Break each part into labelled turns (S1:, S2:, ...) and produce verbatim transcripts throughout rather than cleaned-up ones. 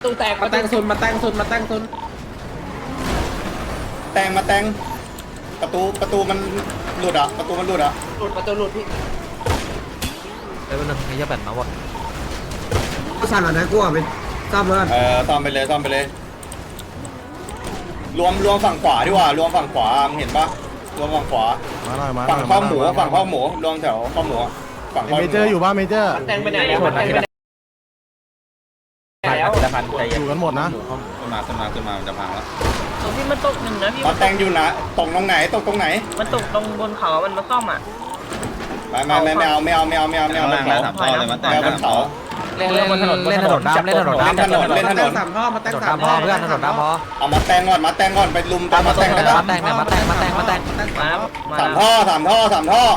S1: ตู้แตกมาแตงซุนมาแตงซุนมาแตงซุน
S2: แตงมาแตงประตูประตูมันหลุดอ่ะประตูมันหลุดอ่ะ
S1: หลุดประตูหลุดพี่
S3: ไอ้วันนึงไอ้ยาแบตมาหมด
S4: ก็สั่งอ่ะนะกูอ่ะไปซ่อมแล้วกัน
S2: เออซ่อมไปเลยซ่อมไปเลย รวมรวมฝั่งขวาดีกว่ารวมฝั่งขวามึงเห็นปะรวมฝั่งขวา
S5: มาหน่อยมา
S2: ฝั่งข้าวหมูฝั่งข้าวหมูรวมแถวข้าวหมูฝั่งข้าวห
S5: เม
S2: มู
S5: เจอร์อยู่ป่ะเมเจอร์
S1: มาแตงไปไหนแล้วมาแตงไปไหนแล้ว
S5: อยู่กันหมดนะ
S2: ขึ้นมาขึ้นมาขึ้นมามันจะพังแล้ว
S6: ตรงที่มันตกหนึ่งนะพี่
S2: มาแตงอยู่นะตรงตรงไหนตรงตรงไหน
S6: มันตกตรงบนเขามันมาซ่อมอ่ะ
S2: ไม่ไม่ไม่ไม่เอาไม่เอาไม่เอาไม่เอาไม่เอาบนเขาไม่เอาบนเขา
S3: เล่นเล่นถนนเล่นถนนดำเล่นถนน
S2: เล่น
S3: ดำ
S2: ถนนเล่นถนน
S1: สามท่อมาแต
S3: ถ
S1: ง
S3: นน
S1: สาม
S3: ดำพอเพื่อนถนนดำพอ
S2: เอามาแตงก่อนมาแตงก่อนไปลุมตามมาแตงได้ปะ
S3: มาแต่งเนี่ยมาแต่งมาแต่งมาแต่ง
S6: มามา
S2: สามท่อสามท่อสามท่อ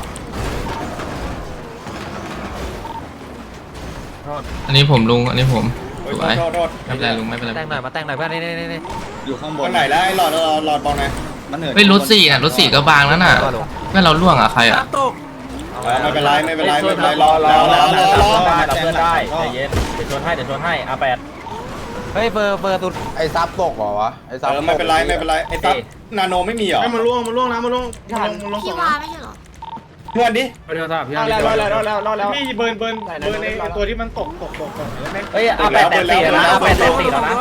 S7: อันนี้ผมลุง อันนี้ผม
S2: โอ้
S7: ส
S2: ย
S7: วย
S2: โทษโทษ
S7: ไม่เป็นไรลุงไม่เป็นไร
S3: แต่งหน่อยมาแต่งหน่อยเพื่อนนี่นี่นี่
S2: อยู่ข้างบนไหนแล้วไอ้หลอดหลอดหลอดบอลไงมันเหนื่อย
S7: เฮ้ยรถสี่น่ะรถสี่ก็บางแล้วน่ะเพื่อนเราล่วงอ่ะใครอ่ะ
S2: ไม่เป็นไรไม่เป็นไรไม่เป็นไรรอรอรอรอรอ
S8: ได้เราเพื่อนได้ใจเย็นเดี๋ยวชนให้เดี๋ยวชนให้อาแปด
S3: เฮ้ยเบอร์เบอร์ตุด
S9: ไอ้ซับตกเหรอวะไอ้ซับ
S2: เออไม่เป็นไรไม่เป็นไรไอ้ตั๊บนาโนไม่มีเหรอ
S5: มันล่วงมันล่วงนะมันล่วง
S10: พี่วาไม่ใช่เหรอ
S2: เพื่อนดิ
S1: รอแล้วรอแล้วรอแล้วรอแล้ว
S5: พี่เบิร์นเบิร์นเบิร์นในตัวที่มันตกตกตกตกไหม
S8: เฮ้ยอาแปดแตะสี่แล้วนะอาแปดแตะสี่แล้วนะ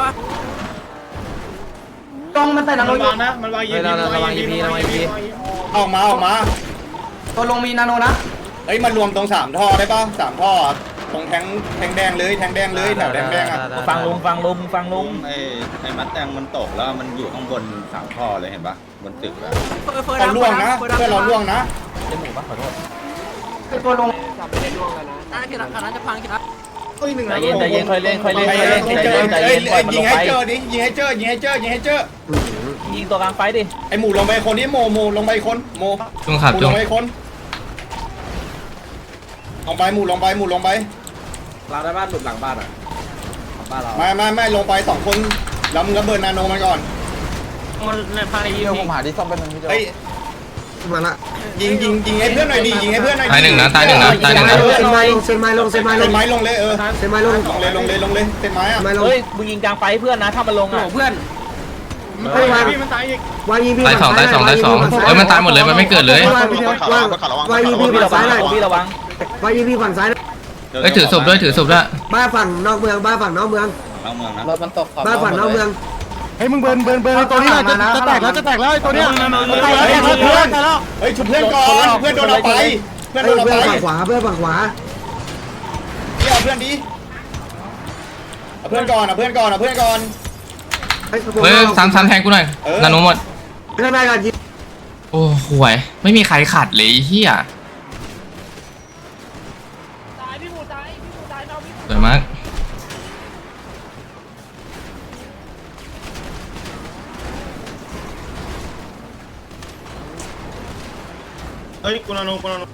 S4: กล้องมันแต่ละ
S5: มันวางนะมันวางยี
S3: เฮ้ยเราเราวางยีพีเราวางยีพี
S2: ออกมาออกมา
S4: ตัวลงมีนาโนนะ
S2: เอ้ยมันรวมตรงสามท่อได้ป่ะสามท่อตรงแทงแทงแดงเลยแทงแดงเลยแถวแดงแดงอ่ะ
S8: ฟังลุงฟังลุงฟังลุง
S2: ไอ้ไอ้มัดแตงมันตกแล้วมันอยู่ข้างบนสามท่อเลยเห็นปะบนตึกอะ
S3: เฟิร์
S2: เราล่วงนะเพื่อนเราล่วงนะ
S3: จมูกปะขอโทษ
S4: ตัวลง
S1: จับไม่ได้ล่วงแล้วนะ
S3: น่าจะขนาดจะพังครับ
S8: ใจเย็นใจเย็นค่อยเล่นค่อยเล่น
S2: ไป
S8: ค่อย
S2: เล่
S8: เล่
S2: น
S8: น
S2: ให้
S8: ใจ
S2: เจอ
S8: เย็นใจ
S2: เอ้
S8: เย็
S2: ย
S8: นปล่อยมัน
S2: ยิ
S8: ล
S2: ง
S8: ง
S2: ให้
S8: ไป
S2: เจอดิยิงให้เจอยิงให้เจอยิงให้เจอ
S8: ยิงตัวกลางไฟดิ
S2: ไอ้หมูลงไปคนนี้โมโมลงไปคนโม
S7: จุงขับ
S2: หมู
S7: จุ
S2: ล
S7: ง
S2: งไปคนลงไปหมูลงไปหมูลงไป
S1: เราได้บ้านหลุดหลังบ้านอ่ะบ้านเรา
S2: ไม่ไม่ไม่ลงไปสองคนแล้วมึงก็เบิร์นนาโนมันก่อน
S6: มันในภายในยิ
S9: เดี๋ยว
S6: ง
S9: ผมหาที่ซ่อมเป็นนึงพี่เจ้า
S2: เฮ้ย
S4: มาละ
S2: ยิงยิงยิงให้เพื่อนหน่อยดิยิงให้เพื่อนหน่อย
S7: ตายหนึ่งนะตายหนึ่งนะตายหนึ่งนะ
S4: เซนไม้ลงเซนไม้ลงเซนไม้ล
S2: เส้
S4: ง
S2: นไม้ลงเลยเออ
S4: เซนไม้ลง
S2: ลงเลยลงเลยลงเลยเส้นไม้อะ
S4: เซนไม้ลง
S8: เฮ้ยมึงยิงกลางไฟเพื่อนนะถ้ามันลงอ่ะ
S1: เพื่อน
S4: เฮ้ยวาง
S5: พี่มันตายอีก
S4: วางยีพี
S7: ตายสองตายสองตายสองเฮ้ยมันตายหมดเลยมันไม่เกิดเลย
S4: วางวางวางยีพี
S8: พี่
S4: ฝั่ง
S8: ระวั
S4: ซ้าง ยหน่อย
S8: พี่ระวัง
S4: วางยีพีฝั่งซ้าย
S7: เฮ้ยถือศพด้วยถือศพด้วย
S4: บ้านฝั่งนอกเมืองบ้านฝั่งนอกเมือง
S2: เอาเมืองนะ
S10: รถมันตกขอบ
S4: บ้านฝั่งนอกเมือง
S5: เฮ้ยมึงเบิร์นเบิร์นเบิร์นในตัวนี้จะจะแตกแล้วจะแตกแล้วไอ้ตัวเนี้ยแตกแล้วเพื่อนแตกแล้ว
S2: เฮ้ยชุบเพื่อนก่อนเพื่อนโดนเอาไปเพื่อนโด
S4: เพื่อน
S2: นเอาไป
S4: ฝั่งขวาเพื่อนฝั่งขวา
S2: พี่เอาเพื่อนดิเอาเพื่อนก่อนเอาเพื่อนก่อนเอาเพื่อนก่อน
S4: เฮ้ย
S7: เฮ้ยซ้ำซ้ำแทงกูหน่อยนาโนหมด
S4: ไม่ได้กันยิง
S7: โอ้ห่วยไม่มีใครขัดเลยไอ้เฮียสวยมาก
S5: เฮ้ยกูนาโนกูนาโน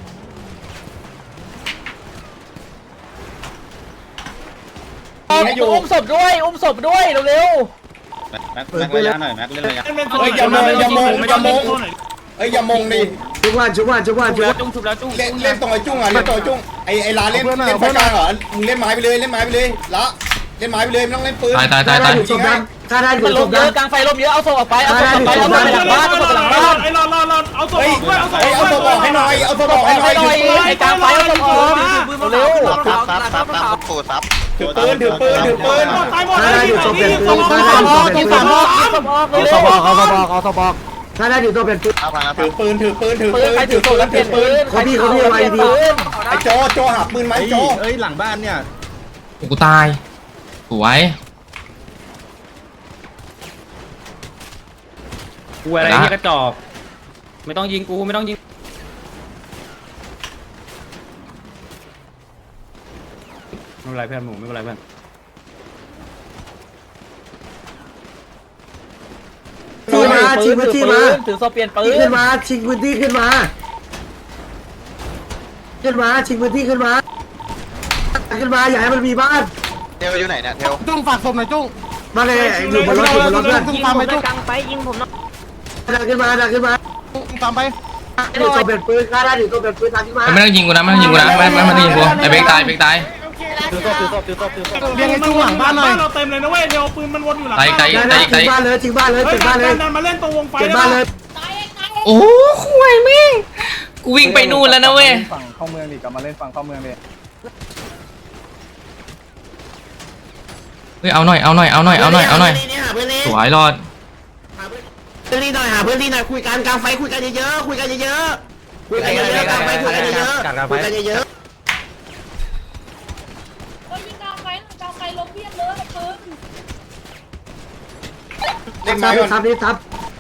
S8: อุ้มศพด้วยอุ้มศพด้วยเร็ว
S2: แม็กแม็กระยะหน่อยแม็กเล่นระยะเฮ้ยอย่ามงอย่ามงอย่ามงเฮ้ยอย่ามงดิ
S4: ชุบว่าชุบว่าชุบว่าชุบว่า
S6: จุ้งชุบแล้วจุ้ง
S2: เล่นเล่นตรงไอ้จุ้งอ่ะเล่นตรงไอ้จุ้งไอ้ไอ้ลาเล่นเล่นไฟกลางเหรอมึงเล่นไม้ไปเลยเล่นไม้ไปเลยละเล่นไม้ไปเลยไม่ต้องเล่นปืน
S7: ตายตายตายตาย
S4: ชุบดำข้าได้
S8: ๆ
S4: ชุ
S8: มัน
S4: บ
S8: ลมเย
S4: ดำ
S8: อะกลางไฟลมเยอะเอาศพออกไปเอาศพออกไปเอาศพไปหลังบ้านเอาศพไปหลังบ้าน
S5: ไอ้รอรอรอเอาศพ
S2: เฮ้ย
S5: ด้วยเอาศพ
S2: เฮ้ยเอาตัวบอกให้หน่อยเอาตัวบอกให้หน่อย
S8: หน่อยไอ้กลางไฟเอาศพออกเร็ว
S9: ซับซับซับซับปูซับ
S2: ถือปืนถือปืนถือปืน
S5: ตายหมด
S4: ข้า
S5: เล
S4: ได้
S5: ย
S4: อยู่ตัวเป็นปืนข้า
S8: เอา
S4: ได้
S8: ศ
S4: อยู่
S8: พ
S4: ตัว
S8: อ
S4: เป็
S8: อน ก
S4: ปืน
S8: เอาศพออกเอาศพออก
S3: เอาสบอกเอาสบอก
S4: ข้าได้อยู่ตัวเป็นปืน
S9: เอาพังนะ
S2: ถือปืนถือปืนถือ
S8: ปื
S2: ปื
S8: น
S2: น
S8: ใครถื
S2: ถื
S8: อ
S2: อ
S8: ปื
S2: ปื
S8: น
S2: น
S8: แล้วเปลี่
S2: ถื
S8: ย
S2: อน ปืน
S8: ปืน
S2: ไอ้โจโจหาปืนไหมโจ
S9: เอ้ยหลังบ้านเนี่ย
S7: กูตายสวย
S8: กูอะไรที่กระจอกไม่ต้องยิงกูไม่ต้องยิงไม่เป็นไรเพื่อนหมูไม่เป็นไรเพื่อน
S4: ที่มาชิงพื้นที่มา
S8: ถือโซเปลี่ยนปื
S4: ที่
S8: น
S4: ขึ้นมาชิงพื้นที่ขึ้นมาขึ้นมาชิงพื้นที่ขึ้นมาขึ้นมาอย่าให้มันมีบ้าน
S9: เทลอยู่ไหนเนี่ยเทล
S5: จุ้งฝากศพหน่อยจุ้ง
S4: มาเลยอยู่บนรถอยู่บนรถเพื่อน
S5: จุ้งตามไปจุ้ง
S6: กลางไฟยิงผมหน่อย
S4: ดันขึ้นมาดันขึ้นมา
S5: จุ้งตามไป
S4: อยู่ตัวเป็นปืนข้าได้อยู่ตัวเป็นปืนทางขึ้นมา
S7: ไม่ต้องยิงกูนะไม่ต้องยิงกูนะไม่ไม่ไม่ต้องยิงกูไอ้เบรกตายเบรกตาย
S3: ถือศพถือศพถือศพถือศพ
S5: เรียงไอ้จุ้งหลังบ้านหน่อย
S8: เราเต็มเลยนะเว้ยเดี๋ยวปืนมันวนอยู่หลัง
S7: ไกลไกล
S4: ได้
S7: ไกล
S4: ได้
S7: ไกล
S4: ถึงบ้านเลยถึงบ้านเลยถึงบ้านเลย
S8: ดันมาเล่นตรงวงไฟ
S4: ถึงบ้านเลย
S7: โอ้ห่วยแม่งกูวิ่งไปนู่นแล้วนะเว้ย
S9: ฝั่งเข้าเมืองดิกลับมาเล่นฝั่งเข้าเมืองดิ
S7: เฮ้ยเอาหน่อยเอาหน่อยเอาหน่อยเอาหน่อยเอาหน่อยสวยรอด
S4: เพื่อนที่หน่อยหาเพื่อนที่หน่อยคุยกันกลางไฟคุยกันเยอะๆคุยกันเยอะๆคุยกันเยอะๆกลางไฟคุยกันเยอะๆคุยกันเยอะ
S10: ก็ยิงกลางไฟกลางไฟลบเพียบเลยปืน
S4: ๆ
S2: เล่น
S4: ทั
S2: ไม้
S4: บ
S2: ก่อน
S4: ทับนี่ทับ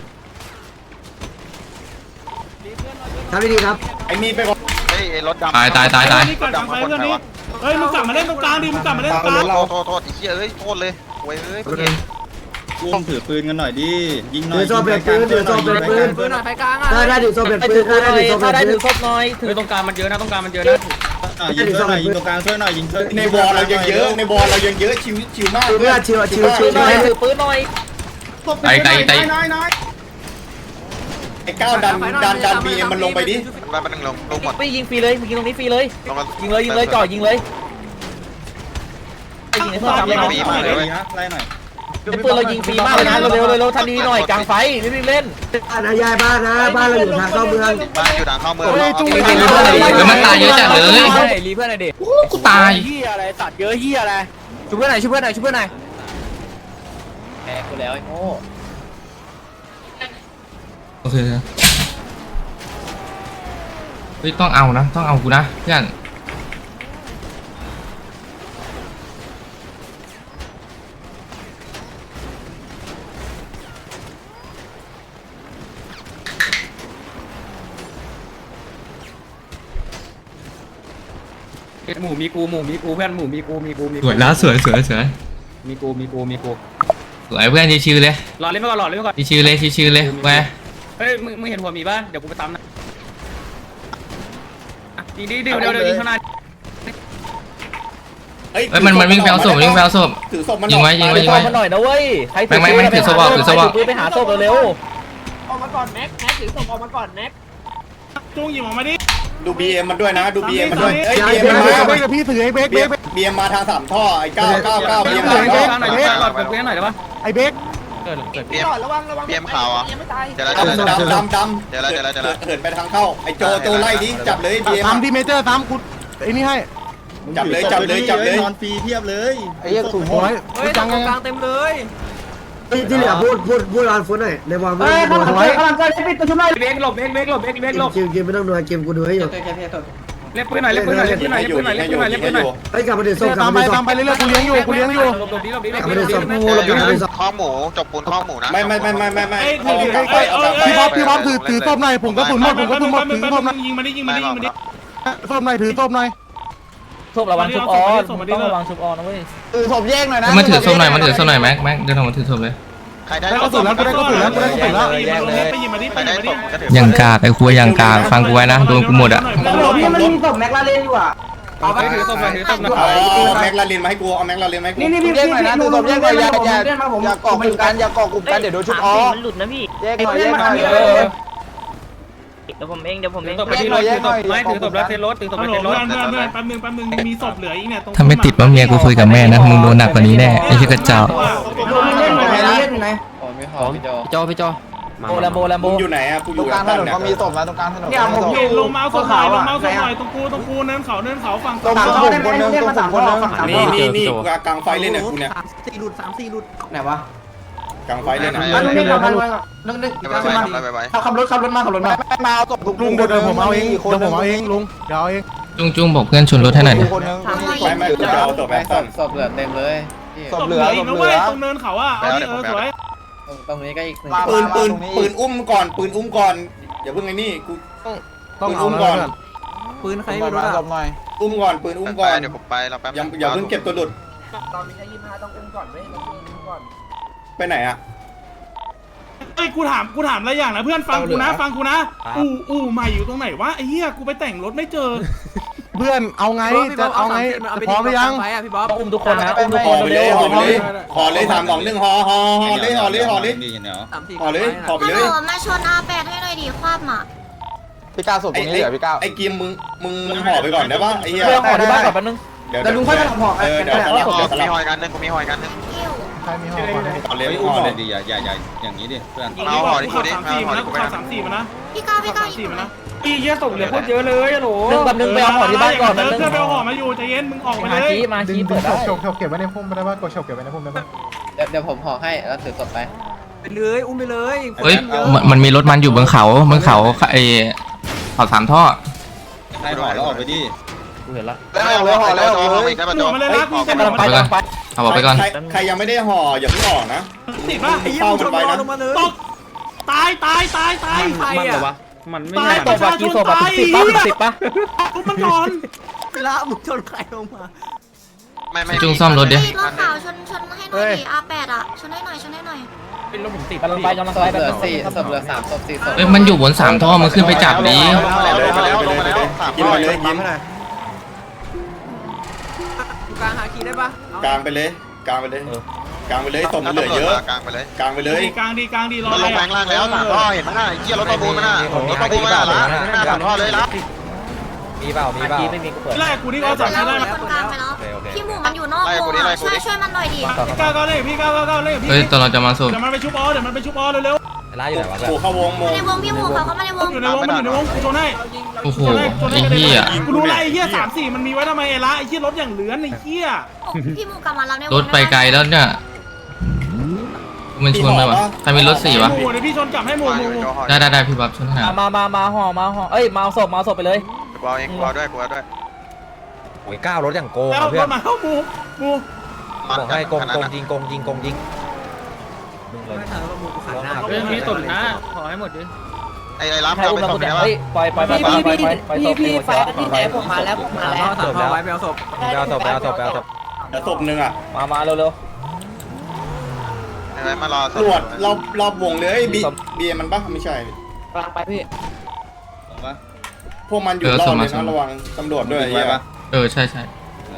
S4: ทับดีๆครับ
S2: ไอ้มีไปก่อน
S9: เฮ้ยรถดำ
S7: ตายตายตายตาย
S8: นี่ก่อนกลางไฟเพื่อนนี่เฮ้ยมึงกลับมาเล่นตรงกลางดิมึงกลับมาเล่นตรงกลาง
S9: โทษโทษโทษไอ้เหี้ยเอ้ยโทษเลยโว้ยเอ้ยต้องถือปืนกันหน่อยดิยิงหน่อย
S4: ถือโซ่เปลี่ยนปืนถือโซ่เปลี่ยนปืน
S3: ปืนหน่อยไฟกลางอ่ะ
S4: ได้ได้ถือโซ่เปลี่ยนปืนได้ได้ถือโซ่เปลี่ยน
S3: ได้
S4: ปื
S3: ถื
S4: น
S3: อศพหน่อยถื
S8: เฮ้
S3: อย
S8: ตรงกลางมันเยอะนะตรงกลางมันเยอะนะ
S9: ยิงช่วยหน่อยยิงตรงกลางช่วยหน่อยยิงช่วย
S2: ในบอลเรายังเยอะในบอลเรายังเยอะชิวชิวมาก
S4: เพื่อนชิวชิวชิว
S3: หน่อยถือปืนหน่อย
S7: ไกลไกลไกล
S2: ไอ้ก้าวดันดันดันบีเอ็มมันลงไปดิ
S9: มันมันหนึ่งลงลงหมด
S3: ไปยิงฟรีเลยยิงตรงนี้ฟรีเลย
S9: ลงมา
S3: ยิงเลยยิงเลยจ่อยิงเลยยิงในเพื่อน
S9: ยิง
S3: ทำ
S9: ปีมาเลยเว้ยไล่หน่อย
S3: ปืนเรายิงฟรีมากเลยนะเร็วๆเร็วๆทันทีหน่อยกลางไฟรีบๆเล่น
S4: บ้านนะยายบ้านนะบ้านเราอยู่ทางเข้าเมือง
S9: บ้านอยู่ทางเข้าเมือง
S7: เฮ้ยมันตายเยอะจัดเลย
S3: รีเพื่อนหน่อยดิ
S7: โอ้กูตาย
S3: เฮียอะไรตัดเยอะเฮียอะไรช่วยเพื่อนหน่อยช่วยเพื่อนหน่อยช่วยเพื่อนหน่อยแหมกูแล้วไอ้โง่
S7: โอเคเฮ้ยต้องเอานะต้องเอากูนะเพื่อน
S8: หมูมีกูหมูมีกูเพื่อนหมูมีกูมีกูมี
S7: สวยแล้วสวยสวยสวย
S8: มีกูมีกูมีกู
S7: สวยเพื่อนชิวๆเลย
S8: รอเล่นไปก่อนรอเล่นไปก่อน
S7: ชิวๆเลยชิวๆเลยแหว
S8: เฮ้ยมึงมึงเห็นหัวมีป่ะเดี๋ยวกูไปตามนะยิงดิเดี๋ยวเดี๋ยวเดี๋ยวยิงข้างหน้า
S7: เฮ้ยมันมันวิ่งไปเอาศพวิ่งไปเอาศพ
S2: ถือศพมัน
S7: ยิงไว้ยิงไว้ยิง
S3: ไป
S7: ไว้
S3: มันหน่อยนะเว้ยใคร
S7: ไม่ไม่ไม่ถือศพออกถือศพออก
S3: ปืนไปหาศพเร็ว
S8: จุ้งยิงออกมาดิ
S2: ดูบีเอ็มมันด้วยนะดูบีเอ็มมันด้วยเอ้ย
S5: ยา
S2: บี
S5: ย
S2: เอ็ม
S5: เบร
S2: มัน
S5: ก
S2: มา
S5: เบรกกับพี่ถือไอ้เบรก
S2: บี
S5: เบร
S2: เอ็ม
S5: ก
S2: บีเอ็มมาทางสามท่อไอ้เก้าเก้าเก้าบีเอ็ม
S8: หน่
S2: มา
S8: อยหน่อยเพื่อนหน่อยเพื่อนหน่อยได้ปะ
S5: ไอ้เบรก
S9: เปียมเปียมขาวอ่ะเดี๋ยวเรา
S2: ดำ
S9: เดี๋ยวเรา
S2: ดำดำดำ
S9: เดี๋ยวเราเดี๋ยวเราเดี๋ยวเรา
S2: เหินไปทางเข้าไอ้โจโจไล่ดิจับเลยบีเอ็ม
S5: ตามดีเมเจอร์ตามกูไอ้นี่ให้
S2: จับเลยจับเลยจับเลย
S9: นอนฟรีเทียบเลย
S5: ไอ้เหี้ยสูงโหย
S3: เฮ้ยตรงกลางเต็มเลย
S4: ที่เหลือพูดพูดพูดรานฟุตหน่อยในวอลไม่ต้องดู
S5: โอ้ย
S8: เบรกหลบเบรกเบรกหลบเบรกเบรกหลบ
S4: เกมเกมไม่ต้องดูเกมกูดูให้อยู่
S8: เล่นปืนหน่อยเล่นปืนหน่อยเล่นปืนหน่อยเล่นปืนหน่อยเล่นปืนหน่อยเล่นปืนหน่อย
S4: เฮ้ยกลับมาเดือดส้มกลั
S5: ตา
S4: บ
S5: มไป
S4: มาเดือดส้
S5: ตาม
S4: ม
S5: ไปเรื่อยๆกูเลี้ยงอยู่กูเลี้ยงอยู่
S8: หลบหลบดิหลบดิ
S4: กลับมาเดือดส้ม
S9: เดี๋ยวเราข้อหมูจบปูนข้อหมูนะ
S2: ไม่ไม่ไม่ไม่ไม่ไม่
S8: เอ้ย
S2: เอา
S8: ถือ
S2: กลางไฟเอากลางไฟ
S5: พี่บ๊อบพี่บ๊อบถือถือส้มหน่อยผมก็สุนหมดผมก็สุนหมดถือส้มหน่อย
S8: ยิงมาดิยิงมาดิยิงมาดิ
S5: ส้มหน่อยถือส้มหน่อย
S3: ศพระวังชุบออนต้องระวังชุบออนนะเว้ย
S7: มันถือศพหน่อยมันถือศพหน่อยแม็กแม็กเดินออกมาถือศพเลย
S9: ใครได้
S5: ได้กระสุนแล้วกูได้กระสุนแล้วกูได้กระสุนแล้ว
S8: ไปยิงมาดิ
S9: ใค
S8: ไป
S9: ร
S8: ยิ
S9: ได้
S8: งมาดิ
S9: ศพก็ถือ
S7: ยังกากไอ้ครัวยังกากฟังกูไว้นะโดนกูหมดอ่ะ
S2: พี่มันมีศพแม็กลา
S8: เอาไปถือศพหน่อยถือศพหน่อย
S2: เอาแม็กลาเรนมาให้กูเอาแม็กลาเรนมาให้กูนี่นี่
S5: เรียกหน่อยนะถือส้มเรียกหน่อยอย่าอย่าอย่ากอกกลุ่มกันอย่ากอกกลุ่มกันเดี๋ยวโดนชุบออ
S6: มันหลุดนะพี่
S5: แยกหน่อยแยกหน่อย
S6: เดี๋ยวผมเองเดี๋ยวผมเอ
S8: ถือง ศพไปที่รถถือศพไม่ถือศพแล้วเทรถถือศพฮั
S6: Ờ,
S8: ลโหลลเพื่อน เพื่เพื่ออน นเพื่อนแป๊บนึงแป๊บนึงมีศพเหลืออีกเนี่ยตรง
S7: ถ้าไม่ติดว่าเมียกูคุยกับแม่นะมึงโดนหนักกว่านี้แน่ไอ้ชิคกระเจ้า
S4: เล่นอยู่ไหนเล่นอยู่ไหน
S3: พี่จอพี่จอโมแลมโมแลมโม
S2: มึงอยู่ไหนอะกูอยู่กลางถนนเขามีศพ
S8: เนี่ยผมเห็นลงเมาส์ศพหน่อยลงเมาส์ศพหน่อยตรงกูตรงกูเนินเขาเนินเขาฝั่ง
S5: ตรงผมคนนึงตรงผมคนนึง
S2: นี่นี่นี่กลางไฟเล่นเนี่ยกูเนี่ย
S4: สี่หลุดสามสี่หลุดไหนวะ
S2: กลางไฟเล่น
S9: ไป
S2: เนี่ย
S9: ไป
S4: นึงนึงนึงนึงนึง
S9: ไปไป
S4: ขับรถขับรถมาขับรถมา
S5: มาเอาศพลุงเดี๋ยวผมเอาเองเดี๋ยวผมเอาเองลุงเดี๋ยวเอาเอง
S7: จุ้งจุ้งบอกเพื่อนชนรถให้หน่อยดิ
S2: ไม่ไม่กูจะเอาศพแม็กซัน
S5: ศพเหลือเต็มเลย
S8: ศพเหลืออีกนะเว้ยตรงเนินเขาอ่ะเอาดิเออสวย
S5: ตรงนี้ก็อีกหนึ่ง
S2: ปืนปืนปืนอุ้มก่อนปืนอุ้มก่อนอย่าเพิ่งไอ้นี่กู
S5: ต้องเอาก่อน
S3: ปืนใครไม่รู้อ่ะ
S2: อุ้มก่อนปืนอุ้มก่อน
S9: เดี๋ยวผมไปเราแป๊บ
S2: อย่าอย่าเพิ่งเก็บตัวหลุด
S4: ตอนนี้ยี่ห้าต้องอุ้มก่อนเว้ยต้องอุ้มก่อน
S2: ไปไหนอะ
S8: ไอ้กูถามกูถามอะไรอย่างนะเพื่อนฟังกูนะฟังกูนะอู่อู่ใหม่อยู่ตรงไหนวะไอ้เหี้ยกูไปแต่งรถไม่เจอ
S5: เพื่อนเอาไงจะเอาไงพร้อมหรือยัง
S3: พี่บ๊อบอุ้มทุกคนนะอุ้มทุก
S2: ข
S3: ค
S2: อน ไปเล
S3: เร็
S2: ยว ขอไปเลย
S3: ๆ
S2: ขอเลยสามสองหนึ่งหอหอหอเลยหอเลยหอเลย
S3: สามสี่
S2: ขอเลยขอไป
S10: ฮัล
S2: เล
S10: โหล
S2: ย
S10: มาชนอาแปดให้หน่อยดิคว่ำอ่ะ
S5: พี่ก้าวศพตรงนี้เหรอพี่ก้าว
S2: ไอ้กีมมึงมึงมึงห่อไปก่อนได้ปะไอ้เหี้ย
S3: เรื่องของที่บ้านก่อนแป๊บนึง
S2: ไดี๋ยว
S3: แต่ลุงค่อยมาทำห่อ
S2: เออเดี๋ยวสลับเดี๋ยวส
S9: มี
S2: ลับ
S9: หอยกันนึงกูมีหอยกันนึง
S5: ใครมีห่อก่อน
S2: ต่อเลย
S9: เฮ้ย
S2: ห่
S9: อุ้ม
S2: อ
S9: ห่อ
S2: เล
S9: เลย ยดิอย่าอย่าอย่าอย่างนี้ดิเพื่อน
S8: เอาห่อดิกูดิสามสี่มานะกูขาดสามสี่มานะ
S10: พี่ก้าวพี่ก้าว
S8: สามสี่มานะ
S6: อีเหี้ยส่งเหลือโคตรเยอะเลยอะโหล
S3: หนึ่งแบบหนึ่งไปเอาห่อที่บ้านก่อน
S8: เอ
S3: นะ
S8: อ
S3: หนึ่ง
S8: เพื่อนไปเอาห่อมาอยู่ใจเย็นมึงออกมา
S3: มา
S8: เลย
S3: ชี้มา
S5: ดึง
S3: ชี้
S5: ดึ
S3: เปิ
S5: ง
S3: ดได้
S5: ฉกฉกเก็บไว้ในพุ่มได้ป่ะกดฉกเก็บไว้ในพุ่มได้ป่ะ
S3: เดี๋ยวเดี๋ยวผมห่อให้แล้วถือศพไป
S6: ไปเลยอุ้มไปเลย
S7: เฮ้ยมันมันมีรถมันอยู่บนเขาบนเขาไอเขาสามท่อ
S9: ให้ห่อแล้วออกไปดิ
S3: กูเห็นละ
S9: แล้วห่อแล้วห่ออีกแล้ว
S8: หนูมาเลยนะกูจะ
S3: กำลังไปกำลังไป
S7: เอาบอกไปก่อน
S2: ใครใครยังไม่ได้ห่ออย่าเพิ่งออกนะ
S8: ติดป่ะ
S2: เฝ้ากันไว้นะ
S8: ตกตายตายตายตาย
S6: ใครอะมันไม่
S8: ตาย
S3: ตกมากี่ศพอะสิบป่ะสิบป่ะ
S8: กูมันก่อน
S6: เวลามึงชนใครลงมา
S9: ไม่ไม่
S7: จุงซ่อมรถดิ
S10: รถขาวชนชนให้หน่อยดิอาแปดอ่ะชนให้หน่อยชนให้หน่อย
S6: เป็นรถผมติด
S3: กำลังไปกำลังไปเหลือสี่ศพเหลือสามศพสี่ศพ
S7: เอ้ยมันอยู่บนสามท่อมันขึ้นไปจับดิ
S9: ลงมาแล้วลงมาแล้วลงมาแล้วสาม
S2: กินไปเลยกิน
S6: กลางหาคีได้ปะ
S2: กลางไปเลยกลางไปเลยกลางไปเลยศพมันเหลือเยอะ
S9: กลางไปเลย
S2: กลางไปเลย
S8: ดีกลางดีกลางดีรอ
S9: มันลงแบงล่างแล้วสามท่อเห็นไหมน่ะเกียร์รถประมูลมันน่ะรถประมูลมันน่ะละหน้าสามท่อเลยละ
S3: มีเปล่ามีเปล่าไม่มีกูเปิด
S8: ไล่กูนี่ก็สาม
S10: แล้ว
S8: ไล่
S10: มี
S8: มา
S10: คนกลางไปแล้วพี่หมูมันอยู่นอกวงอ่ะช่วยช่วยมันหน่อยดิ
S8: พี่ก้าวก้าวเล่พี่ก้าวก้าวก้าวเล่พี่
S7: เฮ้ยตอนเราจะมาสูบ
S8: เดี๋ยวมันไปชุบออเดี๋ยวมันไปชุบออเร็ว
S3: ร้านอยู่ไหนวะ
S2: โอ้เข้าวงโม
S10: มาในวงพี่หมูเขาเข้ามาในวง
S8: ๆอยู่ในวงมันอยู่ในวงกูชนให้
S7: โอ้โหไอ้เหี้ย
S8: กูรู้ไรไอ้เหี้ยสามสี่มันมีไว้ทำไมไอ้ละไอ้เหี้ยรถอย่างเหลือนไอ้เหี้ย
S10: พี่หมูกลับมารับในวง
S7: รถไปไกลแล้วเนี่ยมันชวนไปวะใครมีรถสี่วะ
S8: หมูเดี๋ยวพี่ชนกลับให้หมูหมู
S7: ได้ได้ได้พี่บับชวนหา
S3: มามามาห่อมาห่อเอ้ยมาเอาศพมาเอาศพไปเลย
S9: กูเอาเองกูเอาด้วยกูเอาด้วย
S3: โอ้ยก้าวรถอย่างโกง
S8: แล้วรถมาเข้าหมูหมู
S3: บอกให้โกงโกงยิงโกงยิงโกงยิง
S6: เรื่องนี้ตดนะขอให้หมดดิ
S9: ไอ้ไอ้รับ
S3: ให้
S9: เรา
S3: อุ้ม
S9: ไป
S3: เรา
S9: ส่ง
S3: คน
S9: ไหน
S3: เดียว
S9: วะ
S3: เฮ้ยปล่อยปล่อยปล่อยปล่อยปล่อยปล่อยศพพี่ไฟที่ไหนผมมาแล้วผมมาแล้วจบแล้วไปเอาศพไปเอาศพไปเอาศพไปเอาศพ
S2: เดี๋ยวศพหนึ่งอ่ะ
S3: มามาเร็ว
S9: ไอ้ไว้มารอ
S2: ตรวจรอบรอบวงเลยบีบีมันปะไม่ใช่
S3: ๆกำลังไปพี่
S2: พวกมันอยู่รอบเลยนะระวังตำรวจด้วยไอ้เหี้ย
S7: เออใช่ใช่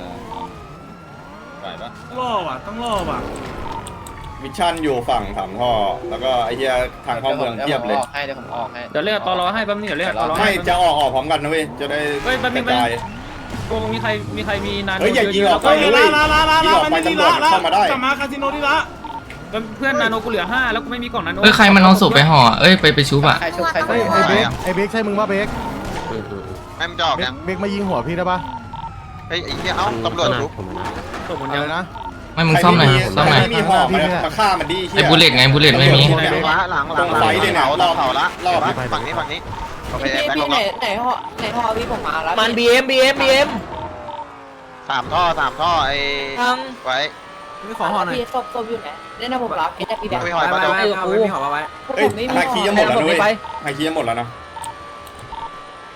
S9: ไหวปะ
S8: ล่อว่ะต้องล่อว่ะ
S2: มิชชั่นอยู่ฝั่งสามท่อแล้วก็ไอ้เหี้ยทางเข้าเมืองเทียบเลย
S3: ให้เดี๋ยวผมออกให้
S6: เดี๋ยวเรียกตอรอให้แป๊บนึงเดี๋ยวเรียกตอรอ
S2: ไม่จะออกออกพร้อมกันนะเว้ยจะได้
S6: เฮ้ยแป๊บนึ
S2: ก
S6: ง
S2: ระจาย
S6: โกงมีใครมีใครมีนาน
S2: เฮ้ยอย่ายิงออกไป
S8: เฮ้ย
S2: นะ
S8: ละ
S2: เว้ย
S8: ละละละ
S2: ยิง
S8: ละ
S2: ออก
S8: มัน
S2: ไป
S8: นี่
S2: ตำรว
S8: ละ
S2: จ
S8: ละ
S2: เข้ามาได้
S8: กลับมาคาสิโนที่ละ
S6: เพื่อนนาโนกูเหลือห้าแล้วกูไม่มีกล่องนาโน
S7: เอ้ยใครมันเอาศพไปห่อเอ้ยไปไปชุบอ่ะ
S3: ใครชุบใคร
S5: ไอ้
S3: ชุบ
S5: ไอ้เบคไอ้เบคใช่มึงป่ะเบค
S9: แม่งจะออก
S5: เบค
S9: ยัง
S5: เบคมายิงหัวพี่ได้ป่ะ
S9: เฮ้ยไอ้เหี้ยเอ้าตำรวจรู้
S6: ตกหมด
S5: อะ
S6: ยัง
S5: ไรนะ
S7: ไม่มึงซ่อมหน่อยซ่อมหน่อย
S2: ใครไม่มีห่อมามาฆ่ามันดิ
S7: ไอ้บุลเลตไงบุลเลตไม่มี
S9: หลังละหลังหลังหลังเราเผาละรอบฝั่งนี้ฝั่งนี้โอเคแบ็คลงแล้ว
S3: ไหนห่อไหนห่อพี่ผมมาแล้วมันบีเอ็มบีเอ็มบีเอ็ม
S9: สามท่อสามท่อไอ้
S3: ทั้ง
S9: ไว้
S6: ไม่ขอห่อหน่อย
S3: พี่ศพศพอยู่ไหนเล่นนะผมรับเอ็นพี่แบงค์
S9: ไม่หอยมาเดี๋ยว
S3: กู
S2: เฮ้ยฮาคีจะหมดแล้วนะเว้ยฮาคีจะหมดแล้วนะ